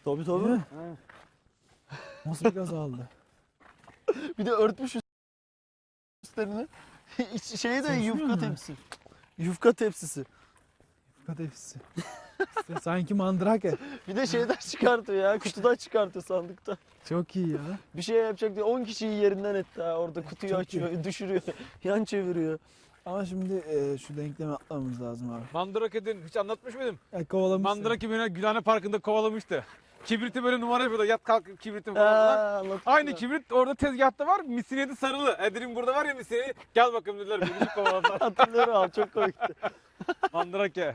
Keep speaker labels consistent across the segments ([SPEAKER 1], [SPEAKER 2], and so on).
[SPEAKER 1] Tabii
[SPEAKER 2] Değil
[SPEAKER 1] tabii.
[SPEAKER 2] mi? Nasıl bir gaz aldı?
[SPEAKER 1] Bir de örtmüş üstlerini. Şeyi de
[SPEAKER 2] Konuşmuyor
[SPEAKER 1] yufka
[SPEAKER 2] mu?
[SPEAKER 1] tepsi. Yufka tepsisi.
[SPEAKER 2] Kadefisi. İşte sanki mandrake.
[SPEAKER 1] Bir de şeyden çıkartıyor ya. Kutudan çıkartıyor sandıkta.
[SPEAKER 2] Çok iyi ya.
[SPEAKER 1] Bir şey yapacak diye 10 kişiyi yerinden etti ha. Orada kutuyu
[SPEAKER 2] Çok
[SPEAKER 1] açıyor, düşürüyor, yan çeviriyor.
[SPEAKER 2] Ama şimdi şu denklemi atlamamız lazım abi.
[SPEAKER 3] Mandrake'den hiç anlatmış mıydım?
[SPEAKER 2] Kovalamışsın.
[SPEAKER 3] Mandrake beni Gülhane Parkı'nda kovalamıştı. Kibriti böyle numara yapıyordu. Yat kalk kibritim
[SPEAKER 1] Ha,
[SPEAKER 3] falan.
[SPEAKER 1] anlatmıştı
[SPEAKER 3] Aynı
[SPEAKER 1] ya.
[SPEAKER 3] kibrit orada tezgahta var. Misiniyeti sarılı. Dedim burada var ya misiniyeti. Gel bakalım dediler. Beni kovaladılar.
[SPEAKER 1] Hatırlıyorum abi, çok komikti.
[SPEAKER 3] Mandrake.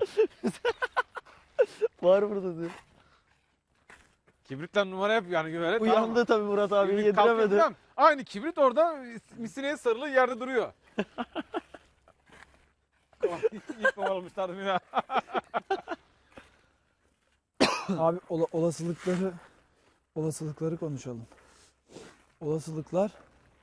[SPEAKER 1] Var burada diyor.
[SPEAKER 3] Kibritle numara yapıyor yani böyle.
[SPEAKER 1] Uyandı tabii Murat abi,
[SPEAKER 3] Kibrit kalkıyor
[SPEAKER 1] yediremedi.
[SPEAKER 3] falan. Aynı kibrit orada misiniyet sarılı yerde duruyor. İyi kovalamışlardı beni.
[SPEAKER 2] Abi olasılıkları konuşalım. Olasılıklar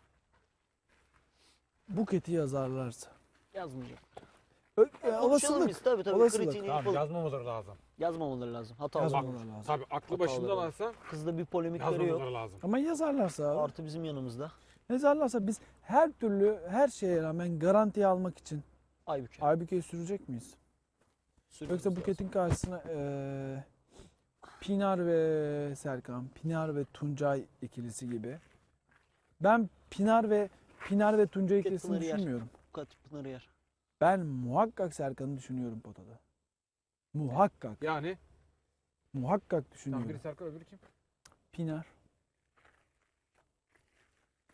[SPEAKER 2] Buket'i yazarlarsa.
[SPEAKER 1] Yazmayacak.
[SPEAKER 2] Olasılık.
[SPEAKER 1] Konuşalım biz tabii
[SPEAKER 2] Olasılık.
[SPEAKER 1] kritiğini
[SPEAKER 3] Tamam
[SPEAKER 1] yapalım.
[SPEAKER 3] yazmamaları lazım.
[SPEAKER 1] Yazmamaları lazım. Hata
[SPEAKER 2] Yazmam.
[SPEAKER 1] olmaz.
[SPEAKER 2] Yazmamaları lazım.
[SPEAKER 3] Tabii aklı
[SPEAKER 1] Hataları
[SPEAKER 3] başında
[SPEAKER 1] var.
[SPEAKER 3] varsa
[SPEAKER 1] Kızda bir polemikleri yok.
[SPEAKER 3] yazmamaları lazım.
[SPEAKER 2] Ama yazarlarsa abi.
[SPEAKER 1] Artı bizim yanımızda.
[SPEAKER 2] Yazarlarsa biz her türlü her şeye rağmen garantiye almak için
[SPEAKER 1] Aybüke.
[SPEAKER 2] Aybüke'yi sürecek miyiz?
[SPEAKER 1] Sürmemiz
[SPEAKER 2] Yoksa
[SPEAKER 1] lazım.
[SPEAKER 2] Buket'in karşısına Pinar ve Serkan, Pinar ve Tuncay ikilisi gibi. Ben Pinar ve Tuncay
[SPEAKER 1] Buket
[SPEAKER 2] ikilisini
[SPEAKER 1] Pınar'ı yer.
[SPEAKER 2] düşünmüyorum.
[SPEAKER 1] Buket Pınar'ı yer.
[SPEAKER 2] Ben muhakkak Serkan'ı düşünüyorum potada. Muhakkak.
[SPEAKER 3] Yani
[SPEAKER 2] Muhakkak
[SPEAKER 3] tam
[SPEAKER 2] düşünüyorum.
[SPEAKER 3] biri Serkan öbürü kim?
[SPEAKER 2] Pinar.